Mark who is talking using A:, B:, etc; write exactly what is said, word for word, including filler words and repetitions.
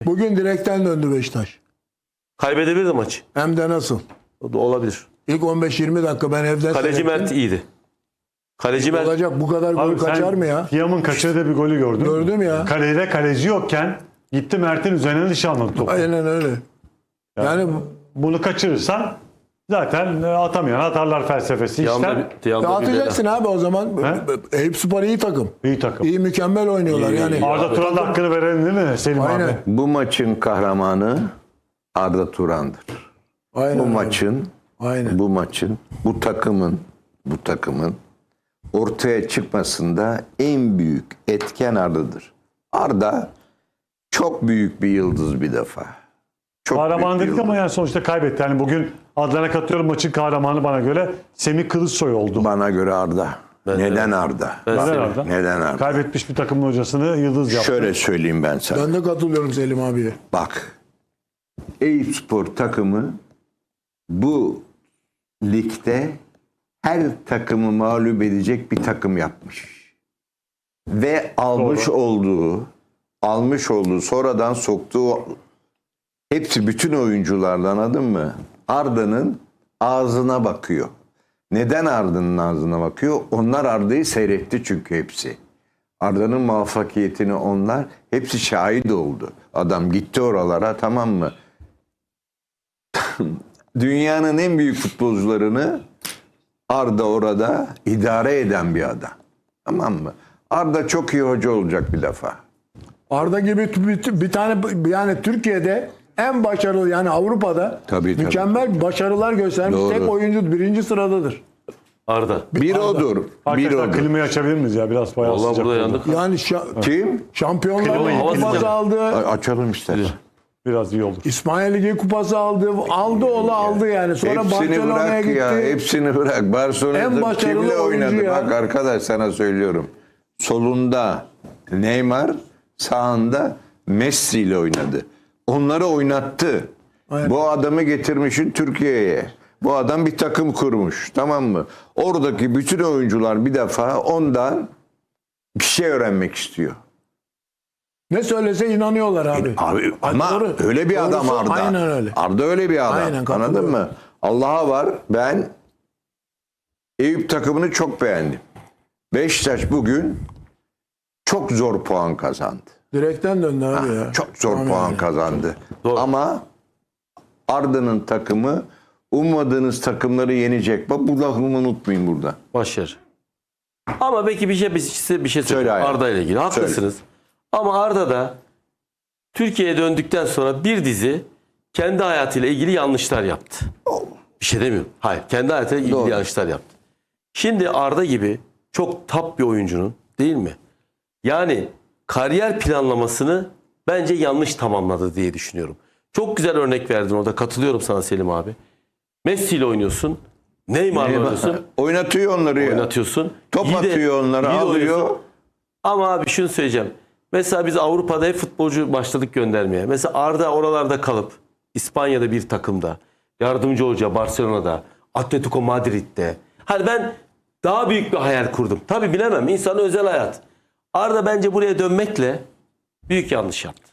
A: Bugün direkten döndü Beşiktaş.
B: Kaybedebilirdi maçı.
A: Hem de nasıl?
B: O da olabilir.
A: İlk on beş yirmi dakika ben evden
B: Kaleci
A: seyrettim.
B: Mert iyiydi. Kaleci Mert
A: Olacak bu kadar gol
C: Abi
A: kaçar
C: sen
A: mı ya?
C: Tiam'ın kaçırdığı bir golü gördün mü?
A: Gördüm ya.
C: Kalede kaleci yokken gitti Mert'in üzerine nişanladı topu.
A: Aynen öyle. Yani
C: Bunu kaçırırsan zaten atamayan atarlar felsefesi
B: Tiam'da
C: işte.
B: bir, Tiam'da bir
A: dağıtacaksın
B: bela.
A: abi o zaman. Eyüp Spor iyi takım.
C: İyi takım.
A: İyi mükemmel oynuyorlar
B: İyi,
A: yani.
B: iyi.
C: Arda Turan'ın da hakkını verelim değil mi Selim
A: Aynen.
C: abi?
D: Bu maçın kahramanı Arda Turan'dır.
A: Aynen.
D: Bu
A: öyle.
D: maçın,
A: Aynen.
D: bu maçın, bu takımın, bu takımın ortaya çıkmasında en büyük etken Arda'dır. Arda çok büyük bir yıldız bir defa. Çok
C: Kahraman
D: büyük bir
C: dedik ama
D: yıldız.
C: yani sonuçta kaybetti. Yani bugün Adlan'a katıyorum, maçın kahramanı bana göre Semih Kılıçsoy oldu.
D: Bana göre Arda.
B: Ben de-
D: Neden Arda?
B: Ben
C: Neden
B: Semih.
C: Arda?
D: Neden Arda?
C: Kaybetmiş bir takımın hocasını yıldız yaptı.
D: Şöyle söyleyeyim ben sana.
A: Ben de katılıyorum Selim abiye.
D: Bak, Eyüpspor takımı bu ligde her takımı mağlup edecek bir takım yapmış. Ve almış
C: Doğru.
D: olduğu, almış olduğu, sonradan soktuğu hepsi bütün oyunculardan, anladın mı? Arda'nın ağzına bakıyor. Neden Arda'nın ağzına bakıyor? Onlar Arda'yı seyretti çünkü hepsi. Arda'nın muvaffakiyetini onlar hepsi şahit oldu. Adam gitti oralara, tamam mı? Dünyanın en büyük futbolcularını Arda orada idare eden bir adam. Tamam mı? Arda çok iyi hoca olacak bir defa.
A: Arda gibi bir, bir tane yani Türkiye'de en başarılı yani Avrupa'da
D: Tabii, tabii.
A: mükemmel başarılar göstermiş
D: Doğru.
A: tek oyuncu birinci sıradadır.
B: Arda.
D: Bir odur. Bir
C: Arkadaşlar
D: odur.
C: klimayı açabilir miyiz ya? Biraz bayağı
B: Vallahi
C: sıcak
B: burada
C: oldu.
B: yandık.
A: Yani şa-
D: Kim?
A: Şampiyonlar
C: Klimayı
A: Ligi kupası
B: yapacağım.
A: aldı.
D: A- Açalım istersen.
C: Biraz iyi olur.
A: İsmail Ligi kupası aldı. Aldı ola aldı yani. Sonra
D: Hepsini
A: Barcelona'ya
D: bırak
A: gitti.
D: ya. Hepsini bırak.
A: En
D: Barcelona'da
A: başarılı
D: kimle
A: oyuncu
D: oynadı?
A: ya.
D: Bak arkadaş, sana söylüyorum. Solunda Neymar, sağında Messi ile oynadı. Onları oynattı.
A: Aynen.
D: Bu adamı getirmişin Türkiye'ye. Bu adam bir takım kurmuş. Tamam mı? Oradaki bütün oyuncular bir defa ondan bir şey öğrenmek istiyor.
A: Ne söylese inanıyorlar abi.
D: Abi ama
A: Doğru.
D: öyle bir adam
A: Doğrusu
D: Arda.
A: aynen öyle.
D: Arda öyle bir adam.
A: Aynen, katılıyorum.
D: Anladın mı? Allah'a var. Ben Eyüp takımını çok beğendim. Beşiktaş bugün çok zor puan kazandı.
A: Direkten döndü abi ya.
D: Çok zor
A: Tamam
D: puan
A: yani.
D: kazandı.
B: Doğru.
D: Ama Arda'nın takımı ummadığınız takımları yenecek. Bak bu lafımı unutmayın burada.
B: Başarı. Ama belki bir şey size bir şey
D: Söyle
B: söyleyeyim
D: hayatım.
B: Arda ile ilgili. Haklısınız. Ama Arda da Türkiye'ye döndükten sonra bir dizi kendi hayatıyla ilgili yanlışlar yaptı. Bir şey demiyorum. Hayır. Kendi hayatıyla ilgili
D: Doğru.
B: yanlışlar yaptı. Şimdi Arda gibi çok top bir oyuncunun, değil mi? Yani kariyer planlamasını bence yanlış tamamladı diye düşünüyorum. Çok güzel örnek verdin orada. Katılıyorum sana Selim abi. Messi ile oynuyorsun. Neymar'la oynuyorsun.
D: Oynatıyor onları ya.
B: Oynatıyorsun.
D: Top
B: İyi de-
D: atıyor onları,
B: iyi de
D: alıyor.
B: oynuyorsun. Ama abi şunu söyleyeceğim. Mesela biz Avrupa'da hep futbolcu başladık göndermeye. Mesela Arda oralarda kalıp İspanya'da bir takımda, yardımcı hoca Barcelona'da, Atletico Madrid'de. Hani ben daha büyük bir hayal kurdum. Tabii bilemem. İnsanın özel hayat. Arda bence buraya dönmekle büyük yanlış yaptı.